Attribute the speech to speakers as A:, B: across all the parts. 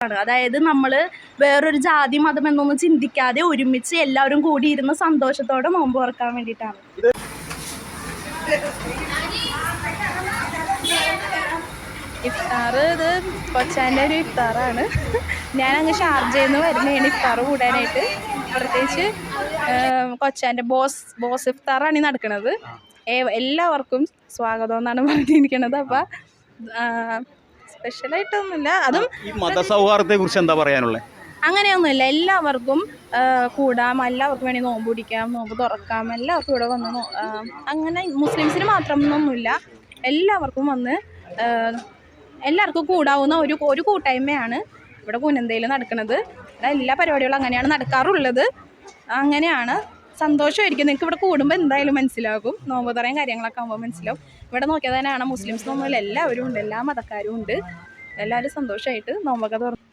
A: അതായത് നമ്മൾ വേറൊരു ജാതി മതം എന്നൊന്നും ചിന്തിക്കാതെ ഒരുമിച്ച് എല്ലാവരും കൂടി ഇരുന്ന് സന്തോഷത്തോടെ നോമ്പ് തുറക്കാൻ വേണ്ടിയിട്ടാണ്. ഇഫ്താർ ഇത് കൊച്ചാൻ്റെ ഒരു ഇഫ്താറാണ്. ഞാനങ്ങ് ഷാർജയിൽ നിന്ന് വരുന്നതാണ് ഇഫ്താർ കൂടാനായിട്ട്. പ്രത്യേകിച്ച് കൊച്ചാൻ്റെ ബോസ് ഇഫ്താറാണ് ഈ നടക്കുന്നത്. എല്ലാവർക്കും സ്വാഗതം എന്നാണ് പറഞ്ഞിരിക്കുന്നത്. അപ്പം സ്പെഷ്യലായിട്ടൊന്നുമില്ല. അതും
B: ഈ മതസൗഹാർദ്ദത്തെ കുറിച്ച് എന്താ പറയാനുള്ളത്?
A: അങ്ങനെയൊന്നുമില്ല. എല്ലാവർക്കും കൂടാം, എല്ലാവർക്കും വേണ്ടി നോമ്പ് പിടിക്കാം, നോമ്പ് തുറക്കാം, എല്ലാവർക്കും ഇവിടെ വന്ന് അങ്ങനെ മുസ്ലിംസിന് മാത്രമൊന്നുമില്ല, എല്ലാവർക്കും വന്ന് എല്ലാവർക്കും കൂടാവുന്ന ഒരു കൂട്ടായ്മയാണ് ഇവിടെ കുനന്തയിൽ നടക്കുന്നത്. എല്ലാ പരിപാടികളും അങ്ങനെയാണ് നടക്കാറുള്ളത്. അങ്ങനെയാണ്. സന്തോഷമായിരിക്കും. നിങ്ങൾക്ക് ഇവിടെ കൂടുമ്പോൾ എന്തായാലും മനസ്സിലാകും. നോമ്പ് തുറയും കാര്യങ്ങളൊക്കെ ആകുമ്പോൾ മനസ്സിലാവും. ഇവിടെ നോക്കിയാൽ തന്നെയാണ് മുസ്ലിംസിനൊന്നുമില്ല, എല്ലാവരും ഉണ്ട്, എല്ലാ മതക്കാരും ഉണ്ട്. എല്ലാവരും സന്തോഷമായിട്ട് നോമ്പൊക്കെ തുറന്നു.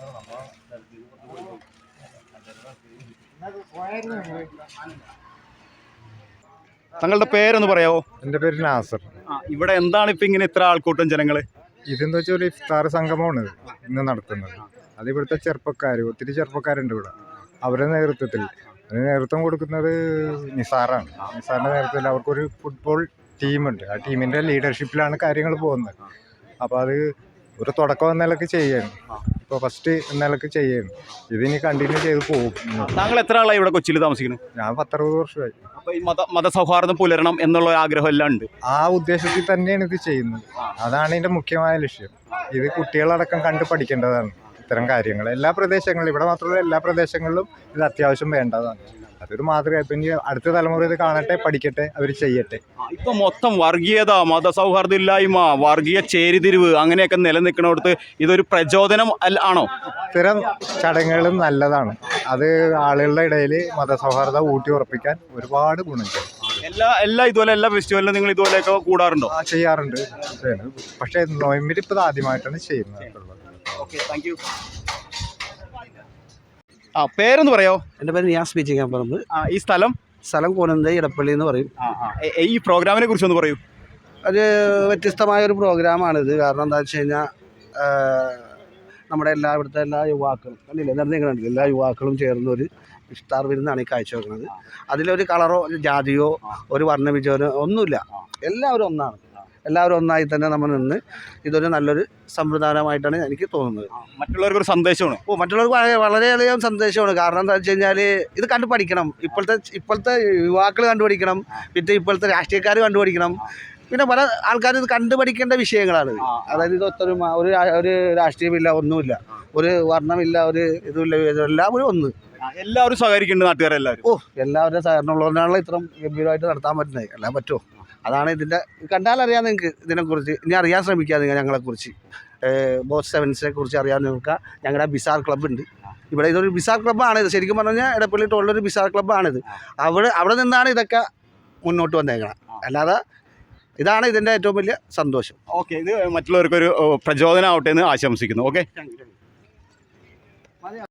B: താങ്കളുടെ പേരൊന്ന് പറയാവോ?
C: എൻ്റെ പേര് നാസർ.
B: ഇവിടെ എന്താണ് ഇപ്പം ഇങ്ങനെ ഇത്ര ആൾക്കൂട്ടം ജനങ്ങൾ?
C: ഇതെന്ന് വെച്ചാൽ ഒരു ഇഫ്താർ സംഗമമാണ് ഇന്ന് നടത്തുന്നത്. അത് ഇവിടുത്തെ ഒത്തിരി ചെറുപ്പക്കാരുണ്ട് ഇവിടെ. അവരുടെ നേതൃത്വം കൊടുക്കുന്നത് നിസാറാണ്. നിസാറിൻ്റെ നേതൃത്വത്തിൽ അവർക്കൊരു ഫുട്ബോൾ ടീമുണ്ട്. ആ ടീമിൻ്റെ ലീഡർഷിപ്പിലാണ് കാര്യങ്ങൾ പോകുന്നത്. അപ്പോൾ അത് ഒരു തുടക്കം എന്നൊക്കെ ചെയ്യാണ്. ഇപ്പോൾ ഫസ്റ്റ് എന്നൊക്കെ ചെയ്യാണ്. ഇതിനി കണ്ടിന്യൂ ചെയ്ത് പോകും.
B: താങ്കൾ എത്ര ആളായി ഇവിടെ കൊച്ചിയിൽ താമസിക്കുന്നത്?
C: ഞാൻ 10-60 വർഷമായി.
B: അപ്പോൾ ഈ മതസൗഹാർദ്ദം പുലരണം എന്നുള്ള ആഗ്രഹം എല്ലാം ഉണ്ട്.
C: ആ ഉദ്ദേശത്തിൽ തന്നെയാണ് ഇത് ചെയ്യുന്നത്. അതാണ് ഇതിൻ്റെ മുഖ്യമായ ലക്ഷ്യം. ഇത് കുട്ടികളടക്കം കണ്ട് പഠിക്കേണ്ടതാണ് ഇത്തരം കാര്യങ്ങൾ. എല്ലാ പ്രദേശങ്ങളിലും, ഇവിടെ മാത്രമല്ല എല്ലാ പ്രദേശങ്ങളിലും ഇത് അത്യാവശ്യം വേണ്ടതാണ്. അതൊരു മാതൃക. ഇപ്പം ഇനി അടുത്ത തലമുറ ഇത് കാണട്ടെ, പഠിക്കട്ടെ, അവർ ചെയ്യട്ടെ.
B: ഇപ്പം മൊത്തം വർഗീയത, മതസൗഹാർദ്ദം ഇല്ലായ്മ, വർഗീയ ചേരിതിരിവ് അങ്ങനെയൊക്കെ നിലനിൽക്കുന്നിടത്ത് ഇതൊരു പ്രചോദനം ആണോ?
C: ഇത്തരം ചടങ്ങുകളും നല്ലതാണ്. അത് ആളുകളുടെ ഇടയിൽ മതസൗഹാർദ്ദം ഊട്ടി ഉറപ്പിക്കാൻ ഒരുപാട് ഗുണം ചെയ്യും.
B: എല്ലാ ഫെസ്റ്റിവലിലും നിങ്ങൾ ഇതുപോലെയൊക്കെ കൂടാറുണ്ടോ?
C: ചെയ്യാറുണ്ട്. പക്ഷേ നോയമ്പിൽ ആദ്യമായിട്ടാണ് ചെയ്യുന്നത്.
B: Okay, thank you. പേരൊന്ന് പറയോ?
D: എൻ്റെ പേര് നിയാസ് പീച്ചിക്കാപ്പറമ്പ്.
B: ഈ സ്ഥലം
D: കോനന്ത ഇടപ്പള്ളി എന്ന് പറയും.
B: ഈ പ്രോഗ്രാമിനെ കുറിച്ചൊന്ന് പറയൂ.
D: ഒരു വ്യത്യസ്തമായൊരു പ്രോഗ്രാമാണിത്. കാരണം എന്താ വെച്ച് കഴിഞ്ഞാൽ നമ്മുടെ ഇവിടുത്തെ എല്ലാ യുവാക്കളും കണ്ടില്ലേ, എല്ലാ യുവാക്കളും ചേർന്നൊരു ഇഫ്താർ വിരുന്നാണ് ഈ കാഴ്ചവെക്കുന്നത്. അതിലൊരു കളറോ ഒരു ജാതിയോ ഒരു വർണ്ണവിജയോ ഒന്നുമില്ല. എല്ലാവരും ഒന്നാണ്. എല്ലാവരും ഒന്നായി തന്നെ നമ്മൾ നിന്ന് ഇതൊരു നല്ലൊരു സംവിധാനമായിട്ടാണ് എനിക്ക് തോന്നുന്നത്.
B: മറ്റുള്ളവർക്കൊരു സന്ദേശമാണ്.
D: മറ്റുള്ളവർക്ക് വളരെയധികം സന്ദേശമാണ്. കാരണം എന്താ വെച്ച് കഴിഞ്ഞാൽ ഇത് കണ്ടു പഠിക്കണം. ഇപ്പോഴത്തെ യുവാക്കൾ കണ്ടുപഠിക്കണം. പിന്നെ ഇപ്പോഴത്തെ രാഷ്ട്രീയക്കാർ കണ്ടുപഠിക്കണം. പിന്നെ പല ആൾക്കാരും ഇത് കണ്ടുപഠിക്കേണ്ട വിഷയങ്ങളാണ്. അതായത് ഇത് ഒരു രാഷ്ട്രീയമില്ല, ഒന്നുമില്ല, ഒരു വർണ്ണമില്ല, ഒരു ഇതുമില്ല, എല്ലാവരും ഒന്ന്.
B: എല്ലാവരും സഹകരിക്കുന്നുണ്ട് നാട്ടുകാരെല്ലാവരും.
D: എല്ലാവരും സഹകരണമുള്ളതിനാണല്ലോ ഇത്രയും ഗംഭീരമായിട്ട് നടത്താൻ പറ്റുന്നത്. എല്ലാം പറ്റുമോ? അതാണ് ഇതിൻ്റെ. കണ്ടാലറിയാം നിങ്ങൾക്ക് ഇതിനെക്കുറിച്ച്. ഇനി അറിയാൻ ശ്രമിക്കുക നിങ്ങൾ ഞങ്ങളെക്കുറിച്ച്. ബോസ് സെവൻസിനെ കുറിച്ച് അറിയാൻ നോക്കുക. ഞങ്ങളുടെ ബിസാർ ക്ലബ്ബുണ്ട് ഇവിടെ. ഇതൊരു ബിസാർ ക്ലബ്ബാണിത്. ശരിക്കും പറഞ്ഞാൽ ഇടപ്പള്ളി ടോളിലൊരു ബിസാർ ക്ലബ്ബാണിത്. അവിടെ നിന്നാണ് ഇതൊക്കെ മുന്നോട്ട് വന്നേക്കണം. അല്ലാതെ ഇതാണ് ഇതിൻ്റെ ഏറ്റവും വലിയ സന്തോഷം.
B: ഓക്കെ, ഇത് മറ്റുള്ളവർക്കൊരു പ്രചോദനമാവട്ടെ എന്ന് ആശംസിക്കുന്നു. ഓക്കെ.